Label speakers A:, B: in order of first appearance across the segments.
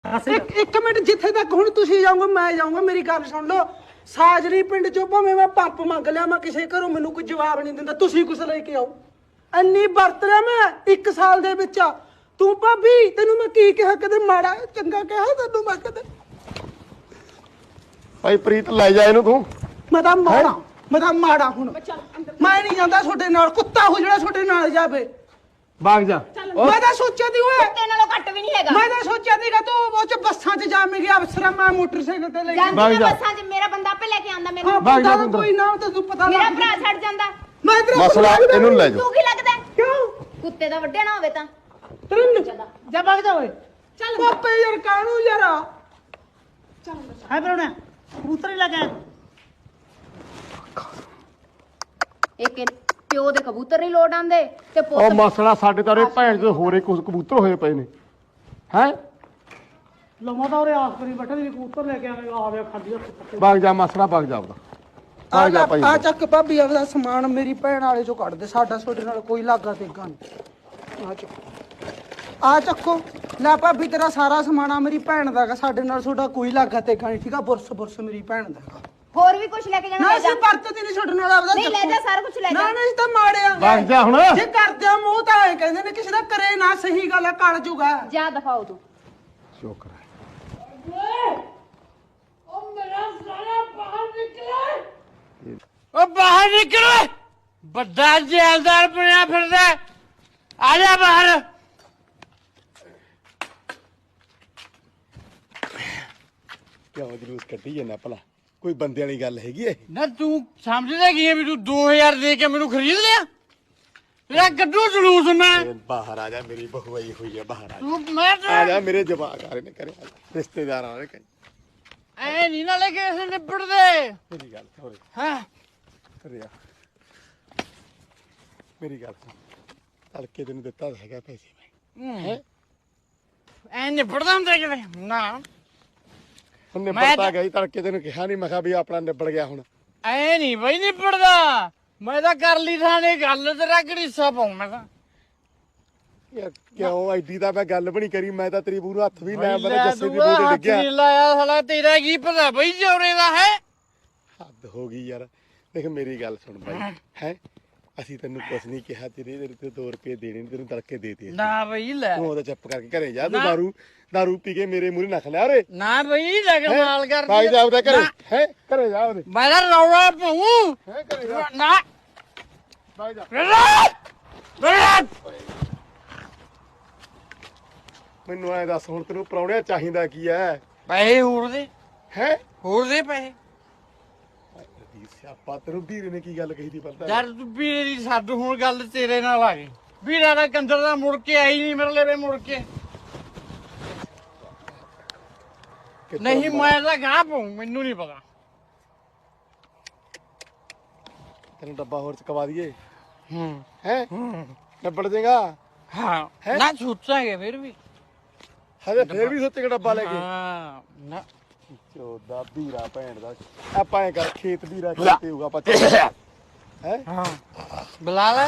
A: ਇੱਕ ਮਿੰਟ ਜਿੱਥੇ ਤੱਕ ਹੁਣ ਤੁਸੀਂ ਜਾਓਗੇ ਮੈਂ ਜਾਊਂਗਾ। ਮੇਰੀ ਗੱਲ ਸੁਣ ਲਓ। ਸਾਜਰੀ ਪਿੰਡ ਚੋਂ ਭਾਵੇਂ ਮੈਂ ਪੰਪ ਮੰਗ ਲਿਆ, ਮੈਂ ਕਿਸੇ ਘਰੋਂ ਮੈਨੂੰ ਕੋਈ ਜਵਾਬ ਨਹੀਂ ਦਿੰਦਾ, ਤੁਸੀਂ ਕੁਛ ਲੈ ਕੇ ਆਓ। ਇੰਨੀ ਵਰਤ ਲਿਆ ਮੈਂ 1 ਸਾਲ ਦੇ ਵਿੱਚ। ਤੂੰ ਭਾਬੀ ਤੈਨੂੰ ਮੈਂ ਕੀ ਕਿਹਾ, ਕਦੇ ਮਾੜਾ ਚੰਗਾ ਕਿਹਾ ਤੈਨੂੰ ਮੈਂ ਕਦੇ?
B: ਭਾਈ ਪ੍ਰੀਤ ਲੈ ਜਾ ਇਹਨੂੰ ਤੂੰ।
A: ਮੈਂ ਤਾਂ ਮਾੜਾ ਹੁਣ ਮੈਂ ਨਹੀਂ ਜਾਂਦਾ ਤੁਹਾਡੇ ਨਾਲ। ਕੁੱਤਾ ਹੋ ਜਿਹੜਾ ਤੁਹਾਡੇ ਨਾਲ ਜਾਵੇ।
B: ਭਾਗ ਜਾ।
A: ਮੈਂ ਤਾਂ ਸੋਚਿਆ ਦੀ ਓਏ
C: ਕੁੱਤੇ ਨਾਲੋਂ ਘੱਟ ਵੀ ਨਹੀਂ ਹੈਗਾ।
A: ਮੈਂ ਤਾਂ ਸੋਚਿਆ ਸੀਗਾ ਤੂੰ ਉਹ ਚ ਬੱਸਾਂ 'ਚ ਜਾਵੇਂਗੀ, ਅਫਸਰਾਂ ਮੈਂ ਮੋਟਰਸਾਈਕਲ ਤੇ ਲੈ ਕੇ
C: ਜਾਂਦੀ ਮੈਂ ਬੱਸਾਂ 'ਚ ਮੇਰਾ ਬੰਦਾ ਆਪੇ ਲੈ ਕੇ ਆਂਦਾ ਮੈਨੂੰ।
A: ਹਾਂ ਬੰਦਾ ਤਾਂ ਕੋਈ ਨਾ ਤੈਨੂੰ ਪਤਾ
C: ਮੇਰਾ ਭਰਾ ਛੱਡ ਜਾਂਦਾ।
A: ਮੈਂ ਤੇਰਾ
B: ਮਸਲਾ ਇਹਨੂੰ ਲੈ ਜਾ।
C: ਤੂੰ ਕੀ ਲੱਗਦਾ?
A: ਕਿਉਂ
C: ਕੁੱਤੇ ਦਾ ਵੱਡਿਆ ਨਾ ਹੋਵੇ ਤਾਂ
A: ਤੈਨੂੰ
D: ਜਾ ਭੱਗ ਜਾ ਓਏ।
C: ਚੱਲ
A: ਪਾਪੇ ਯਾਰ ਕਾਹਨੂੰ ਯਾਰ
D: ਹੈ ਪਰੋਣਾ ਕਬੂਤਰ ਹੀ ਲੱਗਾ।
C: ਇੱਕ ਪਿਓ ਦੇ ਕਬੂਤਰ ਨਹੀਂ ਲੋੜ ਆਂਦੇ ਤੇ
B: ਉਹ
C: ਪੁੱਤ
B: ਮਸਲਾ ਸਾਡੇ ਤਾਂ ਭੈਣ ਦੇ ਹੋਰੇ ਕੁਝ ਕਬੂਤਰ ਹੋਏ ਪਏ ਨੇ। ਹੈ
D: ਲਮਾ ਤਾਂ ਉਹਰੇ ਆਸ ਕਰੀ ਬੈਠਾ ਵੀ ਕਬੂਤਰ ਲੈ ਕੇ ਆਵੇਗਾ। ਆਵੇ ਖਾਦੀ ਹੱਥ
B: ਭਾਗ ਜਾ ਮਸਲਾ, ਭਾਗ ਜਾ ਆਪਦਾ। ਭਾਗ ਜਾ ਭਾਈ।
A: ਆ ਚੱਕ ਭਾਬੀ ਆਪਦਾ ਸਮਾਨ ਮੇਰੀ ਭੈਣ ਵਾਲੇ ਚੋਂ ਕੱਢ ਦੇ। ਸਾਡਾ ਤੁਹਾਡੇ ਨਾਲ ਕੋਈ ਲਾਗਾ ਤੇਗਾ ਨਹੀਂ। ਆ ਚੱਕੋ ਲੈ ਭਾਬੀ ਤੇਰਾ ਸਾਰਾ ਸਮਾਨ ਆ ਮੇਰੀ ਭੈਣ ਦਾ ਹੈਗਾ। ਸਾਡੇ ਨਾਲ ਤੁਹਾਡਾ ਕੋਈ ਲਾਗਾ ਤੇਗਾ ਨਹੀਂ, ਠੀਕ ਆ? ਬੁਰਸ ਮੇਰੀ ਭੈਣ ਦਾ ਹੈਗਾ।
C: ਹੋਰ ਵੀ ਕੁਝ ਲੈ ਕੇ ਜਾਣਾ
A: ਨਾ
C: ਲੈ ਜਾ।
A: ਅਸੀਂ ਵਰਤਦੇ ਨਹੀਂ ਤੁਹਾਡੇ ਨਾਲ ਆਪਦਾ।
C: ਨਹੀਂ ਲੈ ਜਾ, ਸਾਰਾ ਕੁਝ ਲੈ ਜਾ।
A: ਨਾ ਨਹੀਂ ਤਾਂ ਮਾੜਿਆ
B: ਭਾਗ ਜਾ ਹੁਣ।
A: ਜੇ ਕਰਦੇ ਆ ਮੂੰਹ ਤਾਂ ਐ ਕਹਿੰਦੇ ਨੇ ਕਿਸੇ ਦਾ ਕਰੇ ਨਾ। ਸਹੀ ਗੱਲ ਆ, ਕਲ ਜੂਗਾ।
C: ਜਾ ਦਫਾਓ ਤੂੰ।
B: ਸ਼ੁਕਰ ਹੈ।
E: ਉਹ ਬਾਹਰ ਨਿਕਲ, ਵੱਡਾ ਜੈਲਦਾਰ ਬਣਿਆ ਫਿਰਦਾ। ਆ ਜਾ ਬਾਹਰ।
B: ਕਿਉਂ ਜਲੂਸ ਕੱਢੀ ਜਾਂਦਾ ਭਲਾ? ਕੋਈ ਬੰਦੇ ਵਾਲੀ ਗੱਲ ਹੈਗੀ ਇਹ?
E: ਨਾ ਤੂੰ ਸਮਝਦਾ ਕੀ ਹੈ ਵੀ ਤੂੰ 2000 ਦੇ ਕੇ ਮੈਨੂੰ ਖਰੀਦ ਲਿਆ? ਤੇਰਾ ਗੱਡੂ ਜਲੂਸ ਮੈਂ।
B: ਬਾਹਰ ਆ ਜਾ, ਮੇਰੀ ਬਹੂ ਆਈ ਹੋਈ ਹੈ। ਬਾਹਰ ਆ ਜਾ।
E: ਤੂੰ ਮੈਂ
B: ਆ ਜਾ, ਮੇਰੇ ਜਵਾਕ ਆ ਰਹੇ ਨੇ ਘਰੇ। ਆ ਜਾ, ਰਿਸ਼ਤੇਦਾਰ ਆ ਰਹੇ ਨੇ।
E: ਐ ਨਹੀਂ ਨਾ ਲੈ ਕੇ ਇਸ ਨਿਬੜਦੇ।
B: ਮੇਰੀ ਗੱਲ ਸੁਣ।
E: ਹਾਂ
B: ਘਰੇ ਆ। ਮੇਰੀ ਗੱਲ ਸੁਣ। ਤੜਕੇ ਤੈਨੂੰ ਦਿੱਤਾ ਤਾਂ ਹੈਗਾ ਪੈਸੇ ਮੈਂ।
E: ਐ ਨਿਬੜਦਾ ਹੁੰਦਾ ਕਿਵੇਂ ਨਾ।
B: ਉਹਨੇ
E: ਮੈਂ
B: ਪਤਾ ਗਈ ਤੜਕੇ ਤੈਨੂੰ ਕਿਹਾ ਨਹੀਂ। ਮੈਂ ਕਿਹਾ ਵੀ ਆਪਣਾ ਨਿਬੜ ਗਿਆ ਹੁਣ।
E: ਐ ਨਹੀਂ ਬਈ ਨਿਬੜਦਾ। ਮੈਂ ਤਾਂ ਕਰ ਲਈ ਥਾਣੇ ਗੱਲ, ਤੇਰਾ ਗੜੀਸਾ ਪਾਉ ਮੈਂ ਤਾਂ।
B: ਯਾਰ ਕਿਉਂ ਐਡੀ ਤਾਂ ਮੈਂ ਗੱਲ ਵੀ ਨਹੀਂ ਕਰੀ। ਮੈਂ ਤਾਂ ਤੇਰੀ ਬੂ ਨੂੰ ਹੱਥ ਵੀ ਲਾਇਆ। ਮੈਂ
E: ਲੈ
B: ਜੱਸੇ ਦੀ
E: ਤੂੰ
B: ਬੂ ਤੇ
E: ਹੱਥ
B: ਡਿੱਗਿਆ।
E: ਨਹੀਂ ਲਾਇਆ ਸਾਲਾ। ਤੇਰਾ ਕੀ ਪਤਾ ਬਈ ਜੋਰੇ ਦਾ ਹੈ।
B: ਹੱਦ ਹੋ ਗਈ ਯਾਰ। ਦੇਖ ਮੇਰੀ ਗੱਲ ਸੁਣ ਬਾਈ। ਹੈ ਅਸੀਂ ਤੈਨੂੰ ਕੁਛ ਨਹੀਂ ਕਿਹਾ। ਤੇਰੇ ਤੇ 2 ਰੁਪਏ ਦੇਣੇ ਨੇ, ਤੈਨੂੰ ਤੜਕੇ ਦੇ ਦਿੱਤੇ।
E: ਨਾ ਬਈ ਲੈ।
B: ਤੂੰ ਉਹਦਾ ਚੁੱਪ ਕਰਕੇ ਘਰੇ ਜਾ। ਤੂੰ
E: ਨਾ।
B: ਦਾਰੂ ਪੀ ਕੇ ਮੇਰੇ ਮੂਹਰੇ ਨਖ ਲਿਆ ਓਰੇ।
E: ਨਾ ਬਈ ਲਗਮਾਲ ਕਰ
B: ਭਾਈ ਜਾ ਉਹਦੇ ਘਰੇ। ਹੈ ਘਰੇ ਜਾ ਉਹਦੇ।
E: ਮੈਂ ਤਾਂ ਰੌਲਾ ਪਾਉਂ
B: ਹੈ ਘਰੇ ਜਾ।
E: ਨਾ।
B: ਭਾਈ ਜਾ। ਮੈਨੂੰ ਐ ਦੱਸ ਹੁਣ ਤੈਨੂੰ ਪ੍ਰਾਹੁਣਿਆ ਚਾਹੀਦਾ ਕੀ ਐ?
E: ਪੈਸੇ ਹੋਰ ਦੇ,
B: ਹੈ
E: ਹੋਰ ਦੇ ਪੈਸੇ।
B: ਸਿਆਪਾ ਤੈਨੂੰ ਵੀਰੇ ਨੇ ਕੀ ਗੱਲ ਕਹੀ ਦੀ ਪਤਾ?
E: ਯਾਰ ਤੂੰ ਵੀਰੇ ਦੀ ਛੱਡ, ਹੁਣ ਗੱਲ ਤੇਰੇ ਨਾਲ ਆ ਗਈ। ਵੀਰਾ ਦਾ ਕੰਦਰ ਦਾ ਮੁੜ ਕੇ ਆਈ ਨਹੀਂ ਮੇਰੇ ਲਵੇ ਮੁੜ ਕੇ। ਨਹੀਂ ਮੈਂ ਤਾਂ ਗਾਹ ਪਾਉਂ, ਮੈਨੂੰ ਨਹੀਂ ਪਤਾ।
B: ਤੈਨੂੰ ਡੱਬਾ ਹੋਰ ਚਕਵਾ ਦਈਏ?
E: ਹੂੰ
B: ਹੈ ਨਿਬੜ ਜਾਏਗਾ।
E: ਹਾਂ ਨਾ ਸੋਚਾਂਗੇ ਫਿਰ ਵੀ।
B: ਹਜੇ ਫੇਰ ਵੀ ਸੋਚੇਗਾ ਡੱਬਾ ਲੈ ਕੇ?
E: ਹਾਂ ਨਾ
B: ਚੋਦਾ ਵੀਰਾ ਭੈਣ ਦਾ। ਆਪਾਂ ਐ ਕਰ ਖੇਤ ਵੀਰਾ ਖੇਤੇ ਹੋਊਗਾ ਆਪਾਂ। ਹੈ
E: ਹਾਂ ਬੁਲਾ ਲੈ।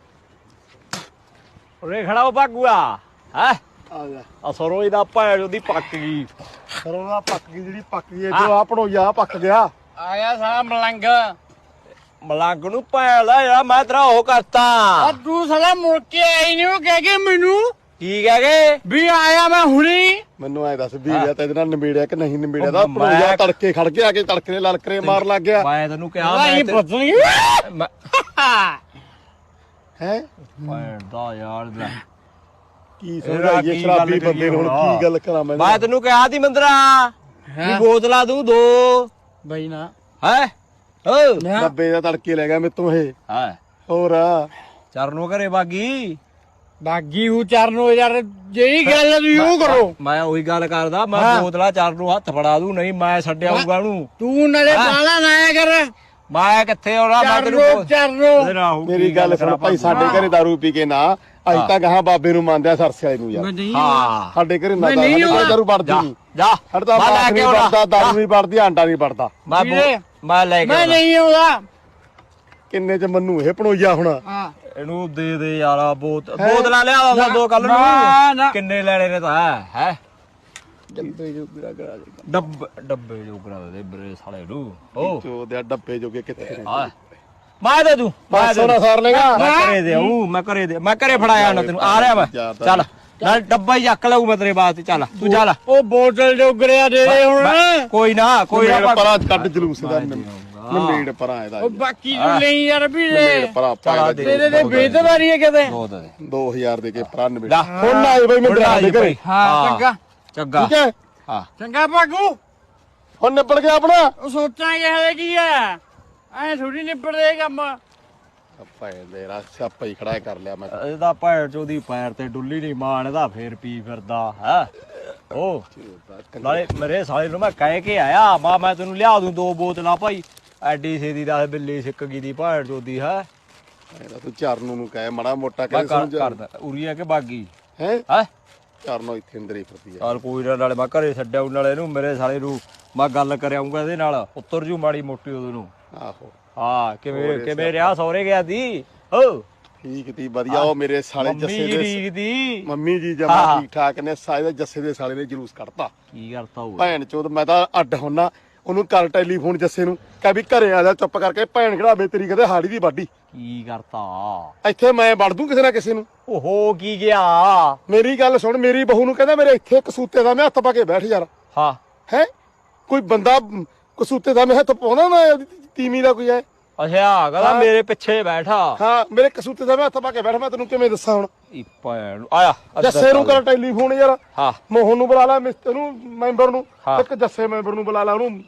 F: ਉਰੇ ਖੜਾ ਉਹ ਭਾਗੂਆ ਹੈ।
B: ਆ ਜਾ।
F: ਆ ਸਰੋਂ ਇਹਦਾ ਭੈਣ ਉਹਦੀ ਪੱਕ ਗਈ।
B: ਸਰੋਂ ਦਾ ਪੱਕ ਗਈ ਜਿਹੜੀ ਪੱਕ ਗਈ। ਇਧਰੋਂ ਆ ਪੜੋਈਆ ਪੱਕ ਗਿਆ।
E: ਆ ਗਿਆ ਸਾਲਾ ਮਲੰਗ।
F: ਮਲੰਗ ਨੂੰ ਭੈਣ ਦਾ ਯਾਰ ਮੈਂ ਤੇਰਾ ਉਹ ਕਰਤਾ।
E: ਆ ਤੂੰ ਸਾਲਾ ਮੁੜ ਕੇ ਆਈ ਨਹੀਂ, ਉਹ ਕਹਿ ਕੇ ਮੈਨੂੰ
F: ਕੀ ਕਹਿ ਗਏ?
E: ਵੀ ਆਇਆ ਮੈਂ ਹੁਣੀ।
B: ਮੈਨੂੰ ਐ ਦੱਸ ਵੀਰਿਆ ਤੇ ਇਹਦੇ ਨਾਲ ਨਿਬੇੜਿਆ ਕਿ ਨਹੀਂ ਨਿਬੇੜਿਆ? ਦਾ
F: ਮੈਂ-
B: ਪੜੋਈਆ ਤੜਕੇ ਖੜ ਕੇ ਆ ਕੇ ਤੜਕੇ ਲਲਕਰੇ ਮਾਰ ਲੱਗ ਗਿਆ।
F: ਮੈਂ ਤੈਨੂੰ ਕਿਹਾ
E: ਨਹੀਂ
F: ਮੈਂ
E: ਪਤਨੀ
B: ਹੈ
F: ਭੈਣ ਦਾ ਯਾਰ ਲੈ।
B: ਕੀ
F: ਇਹਦਾ
B: ਸਮਝਾਈਏ
F: ਕੀ
B: ਸ਼ਰਾਬੀ
F: ਗੱਲ
B: ਬੰਦੇ ਨੂੰ ਹੁਣ
F: ਕਰੀਏ
B: ਕੀ ਗੱਲ ਕਰਾਂ ਮੈਂ?
F: ਮੈਂ ਤੈਨੂੰ ਕਿਹਾ ਸੀ ਮੰਦਰਾ ਵੀ ਬੋਤਲਾਂ ਦੂੰ 2
E: ਬਈ ਨਾ
F: ਹੈ। ਓ
B: ਡੱਬੇ ਦਾ ਤੜਕੇ ਲੈ ਗਿਆ ਮੇਤੋਂ ਇਹ।
F: ਹੈ
B: ਹੋਰ
F: ਚਰਨੋਂ ਘਰੇ ਬਾਗੀ।
E: ਬਾਗੀ ਹੂ ਚਰਨੋ ਯਾਰ, ਜਿਹੜੀ ਗੱਲ ਤੁਸੀਂ ਉਹ ਕਰੋ।
F: ਮੈਂ ਉਹੀ ਗੱਲ ਕਰਦਾ। ਮੈਂ ਬੋਤਲਾਂ ਚਰਨੋਂ ਹੱਥ ਫੜਾ ਦੂੰ, ਨਹੀਂ ਮੈਂ ਛੱਡਿਆ ਆਊਗਾ ਉਹਨੂੰ।
E: ਤੂੰ ਨਾਲੇ ਬਾਲਾ ਨਾ ਆਇਆ ਕਰ।
F: ਮੈਂ ਕਿੱਥੇ ਆਉਣਾ? ਮੈਂ ਤੈਨੂੰ
E: ਚਰਨੋ
B: ਮੇਰੀ ਗੱਲ ਸੁਣ ਭਾਈ। ਸਾਡੇ ਘਰੇ ਦਾਰੂ ਪੀ ਕੇ ਨਾ ਅੱਜ ਤਾਂ ਗਾਹਾਂ ਬਾਬੇ ਨੂੰ ਮੰਨਦੇ ਆ ਸਰਸੇ ਵਾਲੇ ਨੂੰ ਯਾਰ।
E: ਨਹੀਂ
F: ਹਾਂ
B: ਸਾਡੇ ਘਰੇ ਨਾ
E: ਮੈਂ ਨਹੀਂ
B: ਦਾਰੂ ਦਾਰੂ ਵੜਦੀ
F: ਜਾ
B: ਨਹੀਂ।
F: ਜਾ
B: ਹੜਦਾ
F: ਮੈਂ ਲੈ
B: ਬਾਸ
F: ਕੇ
B: ਨਹੀਂ
F: ਆਉਣਾ।
B: ਵੜਦਾ, ਦਾਰੂ ਨਹੀਂ ਵੜਦੀ, ਆਂਡਾ ਨਹੀਂ ਵੜਦਾ।
F: ਮੈਂ ਲੈ ਕੇ
E: ਮੈਂ
F: ਆਉਣਾ।
E: ਨਹੀਂ ਆਉਂਦਾ।
B: ਕਿੰਨੇ ਚ ਮੰਨੂ ਇਹ ਪਣੋਈਆ ਹੁਣ?
E: ਹਾਂ
F: ਇਹਨੂੰ ਦੇ ਯਾਰਾ ਬੋਤਲਾਂ ਲਿਆ 2 ਕੱਲ
E: ਨਾ, ਨਾ।
F: ਨੂੰ। ਕਿੰਨੇ ਲੈਣੇ ਨੇ ਤਾਂ ਹੈ ਡੱਬੇ ਜੋਗਰਾ ਕਰਾ ਦੇ ਡੱਬੇ ਜੋਗਰਾ ਦੇ ਬਰੇ ਸਾਲੇ ਨੂੰ ਓ
B: ਚੋਦਿਆ ਡੱਬੇ ਜੋਗੇ ਕਿੱਥੇ ਨੇ
F: ਆ ਮੈਂ ਦੇ ਦੂੰ ਮੈਂ
B: ਸੋਨਾ ਸਾਰ ਲੇਗਾ
F: ਮੈਂ ਘਰੇ ਦੇ ਆਊਂ ਮੈਂ ਘਰੇ ਫੜਾਇਆ ਨਾ ਤੈਨੂੰ ਆ ਰਿਹਾ ਮੈਂ ਚੱਲ ਨਾਲ ਡੱਬਾ ਹੀ ਚੱਕ ਲਊ ਮੈਂ ਤੇਰੇ ਵਾਸਤੇ ਚੱਲ ਤੂੰ ਚੱਲ
E: ਉਹ ਬੋਤਲ ਜੋਗਰਿਆ ਦੇ ਦੇ ਹੁਣ
F: ਕੋਈ ਨਾ
B: ਪਰਾਂ ਕੱਢ ਜਲੂਸ ਦਾ ਨਮੇੜ ਪਰਾਂ ਇਹਦਾ
E: ਉਹ ਬਾਕੀ ਨੂੰ ਲਈ ਯਾਰ ਵੀ
B: ਨਮੇੜ ਪਰਾਂ ਪਾ
E: ਤੇਰੇ ਦੇ ਬੇਦਵਾਰੀ ਹੈ ਕਿਤੇ
B: 2000 ਦੇ ਕੇ ਪਰਾਂ ਨਮੇੜ
F: ਲੈ
B: ਹੁਣ ਨਾ ਆਏ ਬਈ ਮੈਂ ਡਰਾ ਦੇ ਘਰੇ
E: ਹਾਂ ਚੰਗਾ
F: ਚੰਗਾ
B: ਠੀਕ ਹੈ
F: ਹਾਂ
E: ਚੰਗਾ ਭਾਗੂ
B: ਹੁਣ ਨਿਬੜ ਗਿਆ ਆਪਣਾ
E: ਉਹ ਸੋਚਾਂਗੇ ਹਲੇ ਕੀ ਆ ਐ ਥੋੜੀ ਨਿਬੜਦੇ ਕੰਮ
B: ਭਾਈ ਦੇ ਰਸ ਆਪਾ ਹੀ ਖੜਾ ਕਰ ਲਿਆ ਮੈਂ
F: ਇਹਦਾ ਭੈਣ ਚੋਦੀ ਪੈਰ ਤੇ ਡੁੱਲੀ ਨਹੀਂ ਮਾਣ ਇਹਦਾ ਫੇਰ ਪੀ ਫਿਰਦਾ ਹੈ ਓ ਨਾਲੇ ਮੇਰੇ ਸਾਲੇ ਨੂੰ ਮੈਂ ਕਹਿ ਕੇ ਆਇਆ ਮੈਂ ਤੈਨੂੰ ਲਿਆ ਦੂੰ 2 ਬੋਤਲਾਂ ਭਾਈ ਐਡੀ ਛੇਦੀ ਦਾ ਬਿੱਲੀ ਸਿੱਕ ਗਈ ਦੀ ਭੈਣ ਚੋਦੀ ਹੈ
B: ਤੂੰ ਚਰਨੂ ਨੂੰ ਕਹੇ ਮੜਾ ਮੋਟਾ
F: ਮੈਂ
B: ਕਰੇ
F: ਕਰਦਾ ਉਰੀਆ ਕੇ ਬਾਗੀ
B: ਹੈ
F: ਹੈ
B: ਚਰਨੋ ਇੱਥੇ ਅੰਦਰ ਹੀ ਫਿਰਦੀ ਆ
F: ਚੱਲ ਕੋਈ ਨਾ ਨਾਲੇ ਮੈਂ ਘਰੇ ਛੱਡਿਆ ਨਾਲੇ ਇਹਨੂੰ ਮੇਰੇ ਸਾਲੇ ਨੂੰ ਮੈਂ ਗੱਲ ਕਰ ਆਉਂਗਾ ਇਹਦੇ ਨਾਲ ਉੱਤਰ ਜੂ ਮਾੜੀ ਮੋਟੀ ਉਹਦੇ ਨੂੰ
B: ਆਹੋ
F: ਹਾਂ ਕਿਵੇਂ ਰਿਹਾ ਸਹੁਰੇ ਗਿਆ ਦੀ ਓ
B: ਠੀਕ ਤੀ ਵਧੀਆ ਉਹ ਮੇਰੇ ਸਾਲੇ ਜੱਸੇ ਦੇ
F: ਠੀਕ ਦੀ
B: ਮੰਮੀ ਜੀ ਜਮਾ ਠੀਕ ਠਾਕ ਨੇ ਸਾਰੇ ਦੇ ਜੱਸੇ ਦੇ ਸਾਲੇ ਨੇ ਜਲੂਸ ਕੱਢਤਾ
F: ਕੀ ਕਰਤਾ ਉਹ
B: ਭੈਣ ਚੋਦ ਮੈਂ ਤਾਂ ਅੱਡ ਹੁੰਨਾ ਉਹਨੂੰ ਕਰ ਟੈਲੀਫੋਨ ਜੱਸੇ ਨੂੰ ਕਹਿ ਵੀ ਘਰੇ ਆ ਜਾ ਚੁੱਪ ਕਰਕੇ ਭੈਣ ਖੜਾਵੇ ਤੇਰੀ ਕਦੇ ਹਾੜੀ ਦੀ ਬਾਡੀ
F: ਕੀ ਕਰਤਾ
B: ਇੱਥੇ ਮੈਂ ਵੜ ਦੂੰ ਕਿਸੇ ਨਾ ਕਿਸੇ ਨੂੰ
F: ਓਹੋ ਕੀ ਗਿਆ
B: ਮੇਰੀ ਗੱਲ ਸੁਣ ਮੇਰੀ ਬਹੂ ਨੂੰ ਕਹਿੰਦਾ ਮੇਰੇ ਇੱਥੇ ਕਸੂਤੇ ਦਾ ਮੈਂ ਹੱਥ ਪਾ ਕੇ ਬੈਠ ਯਾਰ
F: ਹਾਂ
B: ਹੈ ਕੋਈ ਬੰਦਾ ਕਸੂਤੇ ਦਾ ਮੈਂ ਹੱਥ ਪਾਉਂਦਾ ਨਾ ਤੀਵੀਂ ਦਾ ਕੋਈ ਹੈ
F: ਅੱਛਾ ਕਹਿੰਦਾ ਮੇਰੇ ਪਿੱਛੇ ਬੈਠਾ
B: ਹਾਂ ਮੇਰੇ ਕਸੂਤੇ ਦਾ ਮੈਂ ਹੱਥ ਪਾ ਕੇ ਬੈਠ ਮੈਂ ਤੈਨੂੰ ਕਿਵੇਂ ਦੱਸਾਂ ਹੁਣ
F: ਈ ਭੈਣ ਨੂੰ ਆਇਆ
B: ਜੱਸੇ ਨੂੰ ਕਰ ਟੈਲੀਫੋਨ ਯਾਰ
F: ਹਾਂ
B: ਮੋਹਨ ਨੂੰ ਬੁਲਾ ਲੈ ਮਿਸਟਰ ਨੂੰ ਮੈਂਬਰ ਨੂੰ
F: ਹਾਂ।
B: ਇੱਕ ਜੱਸੇ ਮੈਂਬਰ ਨੂੰ ਬੁਲਾ ਲੈ ਉਹਨੂੰ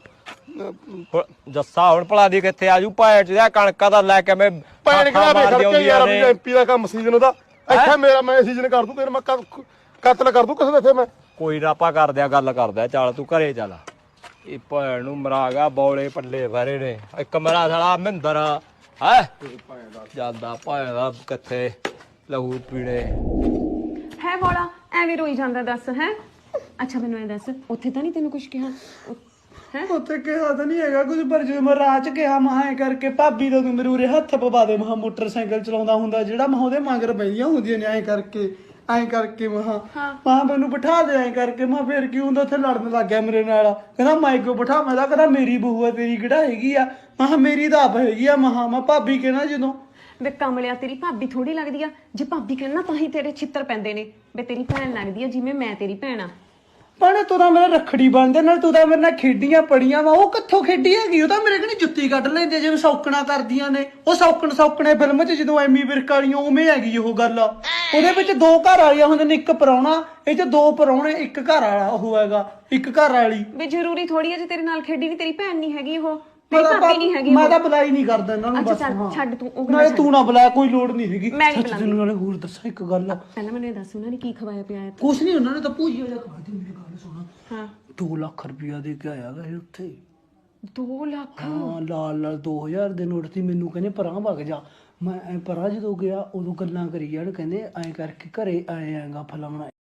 F: ਜੱਸਾ ਹੁਣ ਭਲਾ ਦੀ ਕਿੱਥੇ ਆਜੂ ਭੈਣ ਚ ਕਣਕਾਂ ਦਾ ਲੈ ਕੇ ਮੈਂ
B: ਭੈਣ ਖੜਾ ਖੜ ਕੇ ਯਾਰ ਐਮਪੀ ਦਾ ਕੰਮ ਸੀਜ਼ਨ ਉਹਦਾ ਇੱਥੇ ਮੇਰਾ ਮੈਂ ਸੀਜ਼ਨ ਕਰ ਦੂੰ ਤੇਰੇ ਮੈਂ ਕਤਲ ਕਰ ਦੂੰ ਕਿਸੇ ਦਾ ਇੱਥੇ ਮੈਂ
F: ਕੋਈ ਨਾ ਆਪਾਂ ਕਰਦੇ ਆ ਗੱਲ ਕਰਦੇ ਆ ਚੱਲ ਤੂੰ ਘਰੇ ਚੱਲ ਇਹ ਭੈਣ ਨੂੰ ਮਰਾ ਗਿਆ ਬੌਲੇ ਪੱਲੇ ਭਰੇ ਨੇ ਇੱਕ ਮੇਰਾ ਸਾਲਾ ਮਹਿੰਦਰ ਹੈ ਜਾਂਦਾ ਭੈਣ ਦਾ ਕਿੱਥੇ ਲਹੂ ਪੀਣੇ
C: ਹੈ ਬੋਲਾ ਐਵੇਂ ਰੋਈ ਜਾਂਦਾ ਦੱਸ ਹੈ ਅੱਛਾ ਮੈਨੂੰ ਇਹ ਦੱਸ ਉੱਥੇ ਤਾਂ ਨਹੀਂ ਤੈਨੂੰ ਕੁਝ ਕਿਹਾ ਹੈ
A: ਉੱਥੇ ਕਿਹਾ ਤਾਂ ਨਹੀਂ ਹੈਗਾ ਕੁਝ ਪਰ ਜਦੋਂ ਮੈਂ ਰਾਹ 'ਚ ਕਿਹਾ ਮਹਾਂ ਐ ਕਰਕੇ ਭਾਬੀ ਦਾ ਤੂੰ ਮੇਰੇ ਉਰੇ ਹੱਥ ਪਵਾ ਦੇ ਮਹਾਂ ਮੋਟਰਸਾਈਕਲ ਚਲਾਉਂਦਾ ਹੁੰਦਾ ਜਿਹੜਾ ਮਹਾਂ ਉਹਦੇ ਮਗਰ ਪਈਆਂ ਹੁੰਦੀਆਂ ਨੇ ਐਂ ਕਰਕੇ ਮਹਾਂ ਮੈਨੂੰ ਬਿਠਾ ਦੇ ਐਂ ਕਰਕੇ ਮੈਂ ਫੇਰ ਕੀ ਹੁੰਦਾ ਉੱਥੇ ਲੜਨ ਲੱਗ ਗਿਆ ਮੇਰੇ ਨਾਲ ਕਹਿੰਦਾ ਮੈਂ ਕਿਉਂ ਬਿਠਾ ਮੈਂ ਤਾਂ ਕਹਿੰਦਾ ਮੇਰੀ ਬਹੂ ਆ ਤੇਰੀ ਕਿਹੜਾ ਹੈਗੀ ਆ ਮਹਾਂ ਮੇਰੀ ਤਾਂ ਆਪ ਹੈਗੀ ਆ ਮਹਾਂ ਮੈਂ ਭਾਬੀ ਕਹਿਣਾ ਜਦੋਂ
C: ਵੇ ਕਮਲਿਆ ਤੇਰੀ ਭਾਬੀ ਥੋੜੀ ਲੱਗਦੀ ਆ ਜੇ ਭਾਬੀ ਕਹਿਣਾ ਤਾਂ ਹੀ ਤੇਰੇ ਛਿੱਤਰ ਪੈਂਦੇ ਨੇ ਵੇ ਤੇਰੀ ਭੈਣ ਲੱਗਦੀ ਆ ਜਿਵੇਂ ਮੈਂ ਤੇਰੀ ਭੈਣ ਆ
A: ਪਰ ਤੂੰ ਤਾਂ ਮੇਰਾ ਰੱਖੜੀ ਬਣਦੇ ਨਾਲ ਤੂੰ ਤਾਂ ਮੇਰੇ ਨਾਲ ਖੇਡੀਆਂ ਪੜੀਆਂ ਵਾ ਉਹ ਕਿੱਥੋਂ ਖੇਡੀ ਹੈਗੀ ਉਹ ਤਾਂ ਮੇਰੇ ਕਣੀ ਜੁੱਤੀ ਕੱਢ ਲੈਂਦੇ ਜਿਵੇਂ ਸੌਕਣਾ ਕਰਦੀਆਂ ਨੇ ਉਹ ਸੌਕਣੇ ਫਿਲਮ 'ਚ ਜਦੋਂ ਐਮੀ ਵਿਰਕ ਵਾਲੀਆਂ ਉਵੇਂ ਹੈਗੀ ਉਹ ਗੱਲ ਉਹਦੇ ਵਿੱਚ 2 ਘਰ ਵਾਲੀਆਂ ਹੁੰਦੇ ਨੇ ਇੱਕ ਪ੍ਰਾਹੁਣਾ ਇਹ 'ਚ 2 ਪ੍ਰਾਹੁਣੇ ਇੱਕ ਘਰ ਵਾਲਾ ਉਹ ਹੈਗਾ ਇੱਕ ਘਰ ਵਾਲੀ
C: ਵੇ ਜ਼ਰੂਰੀ ਥੋੜੀ ਆ ਜੇ ਤੇਰੇ ਨਾਲ ਖੇਡੀ ਨਹੀਂ ਤੇਰੀ ਭੈਣ ਨਹੀਂ ਹੈਗੀ ਉਹ ਭਾਬੀ ਨਹੀਂ ਹੈਗੀ
A: ਮੈਂ ਤਾਂ ਬੁਲਾਈ ਨਹੀਂ ਕਰਦਾ ਇਹਨਾਂ ਨੂੰ
C: ਅੱਛਾ
A: ਬਸ
C: ਚੱਲ ਛੱਡ ਤੂੰ ਉਹ
A: ਨਾਲੇ ਤੂੰ ਨਾ ਬੁਲਾ ਕੋਈ ਲੋੜ ਨਹੀਂ ਹੈਗੀ
C: ਮੈਂ ਨਹੀਂ ਬੁਲਾਉਂਦੀ
A: ਨਾਲੇ ਹੋਰ ਦੱਸਾਂ ਇੱਕ ਗੱਲ
C: ਪਹਿਲਾਂ ਮੈਨੂੰ ਇਹ ਦੱਸ ਉਹਨਾਂ ਨੇ ਕੀ ਖਵਾਇਆ ਪਿਆ
A: ਕੁਛ ਨਹੀਂ ਉਹਨਾਂ ਨੇ ਤਾਂ ਭੂਜੀਆ ਜਿਹਾ ਖਾ ਦਿੱਤੀ ਮੇਰੀ ਗੱਲ ਸੁਣ
C: ਹਾਂ
A: 2 ਲੱਖ ਰੁਪਇਆ ਦੇ ਕੇ ਆਇਆ ਗਾ ਇਹ ਉੱਥੇ
C: 2 ਲੱਖ
A: ਹਾਂ ਲਾਲ 2000 ਦੇ ਨੋਟ ਸੀ ਮੈਨੂੰ ਕਹਿੰਦੇ ਪਰਾਂ ਵਗ ਜਾ ਮੈਂ ਐ ਪਰਾਂ ਜਦੋਂ ਗਿਆ ਉਦੋਂ ਗੱਲਾਂ ਕਰੀ ਜਾਣ ਕਹਿੰਦੇ ਐਂ ਕਰਕੇ ਘਰੇ ਆਏ ਆਂਗਾ ਫਲਾਣਾ